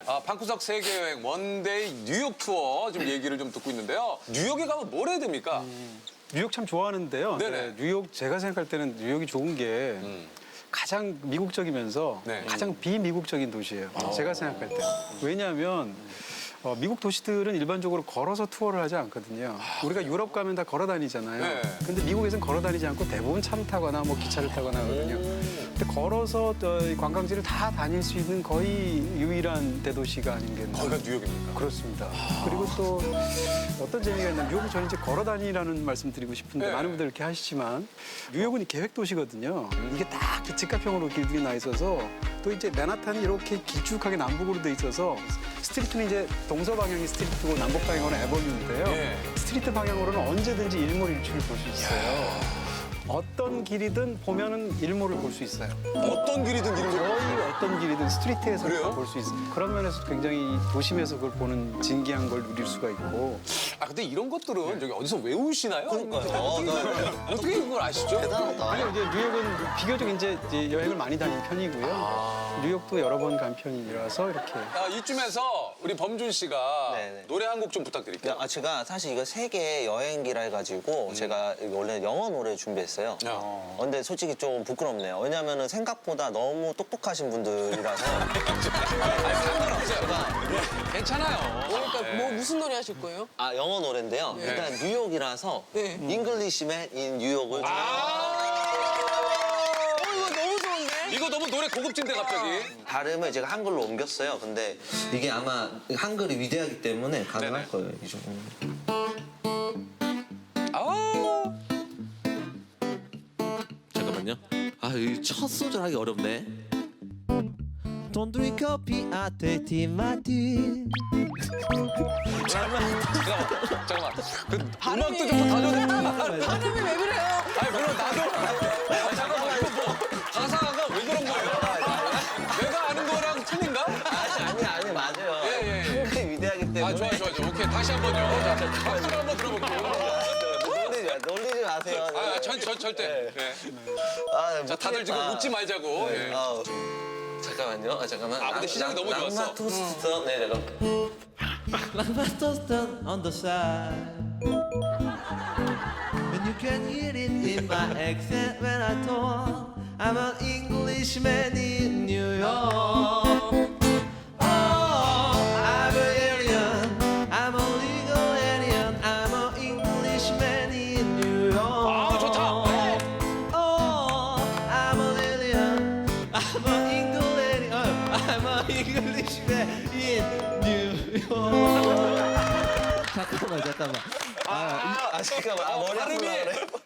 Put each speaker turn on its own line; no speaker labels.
방구석 세계여행 원데이 뉴욕 투어 지금 얘기를 좀 듣고 있는데요. 뉴욕에 가면 뭘 해야 됩니까?
뉴욕 참 좋아하는데요.
네네.
네, 뉴욕 제가 생각할 때는 뉴욕이 좋은 게 가장 미국적이면서
네.
가장 비미국적인 도시예요. 제가 생각할 때. 왜냐하면 미국 도시들은 일반적으로 걸어서 투어를 하지 않거든요. 우리가 유럽 가면 다 걸어 다니잖아요.
네.
근데 미국에서는 걸어 다니지 않고 대부분 차를 타거나 뭐 기차를 타거나 하거든요. 근데 걸어서 이 관광지를 다 다닐 수 있는 거의 유일한 대도시가 아닌겠나.
거기가 뉴욕입니까?
그렇습니다. 그리고 또 어떤 재미가 있냐면 뉴욕은 저는 이제 걸어 다니라는 말씀 드리고 싶은데
네.
많은 분들 이렇게 하시지만 뉴욕은 이 계획 도시거든요. 이게 딱 직각형으로 길들이 나 있어서 또 이제 맨하탄이 이렇게 길쭉하게 남북으로 돼 있어서 스트리트는 이제 동서 방향이 스트리트고 남북 방향으로는 에버뉴인데요.
예.
스트리트 방향으로는 언제든지 일몰일출을 볼 수 있어요. 어떤 길이든 보면은 일몰을 볼 수 있어요.
어떤 길이든 이런 거.
거의 어떤 길이든 스트리트에서
그래요?
볼 수 있어요. 그런 면에서 굉장히 도심에서 그걸 보는 진기한 걸 누릴 수가 있고.
근데 이런 것들은 저기 어디서 외우시나요?
그러니까요.
어떻게 그걸 아시죠?
대단하다.
아니요, 이제 뉴욕은 비교적 이제 여행을 많이 다닌 편이고요. 뉴욕도 여러 번 간 편이라서 이렇게.
이쯤에서 우리 범준 씨가
네네.
노래 한 곡 좀 부탁드릴게요.
제가 사실 이거 세계 여행기라 해가지고 제가 원래 영어 노래 준비했어요. 근데 솔직히 좀 부끄럽네요. 왜냐면은 생각보다 너무 똑똑하신 분들이라서.
괜찮아요.
그러니까 뭐 무슨 노래 하실 거예요?
영어 노래인데요. 일단 뉴욕이라서
네.
잉글리시맨 인 뉴욕을
이거 너무 좋은데?
이거 너무 노래 고급진데 갑자기.
발음을 제가 한글로 옮겼어요. 근데 이게 아마 한글이 위대하기 때문에 가능할
네네.
거예요. 이 정도.
잠깐만요. 이 첫 소절 하기 어렵네. Don't drink coffee, I take tea, my tea.
잠깐만. 그 음악도 좀 다져야 돼.
발음이 왜 그래요?
아니 물론 나도. 잠깐만 이거 뭐 가사가 왜 그런 거예요? 내가 아는 거랑 틀린가?
아니 맞아요.
예.
한글이 위대하기 때문에.
좋아. 오케이 다시 한번요. 자, 박수를 한번 들어볼게요.
놀리지 마세요.
절대. 자 다들 지금 웃지 말자고. 예.
잠깐만요. 잠깐만.
근데 시작이 너무 좋았어.
랑마 토스트. 네, 잠깐.
Like my toaster on the side. When you can hear it in my accent when I talk, I'm an Englishman in New York. Oh, I'm an alien. I'm a legal alien. I'm an Englishman in New York.
좋다.
Oh, I'm an alien. I'm an English alien. I'm an Englishman in New York. 잠깐만.
잠깐만. 머리
발음이
아프다 그래.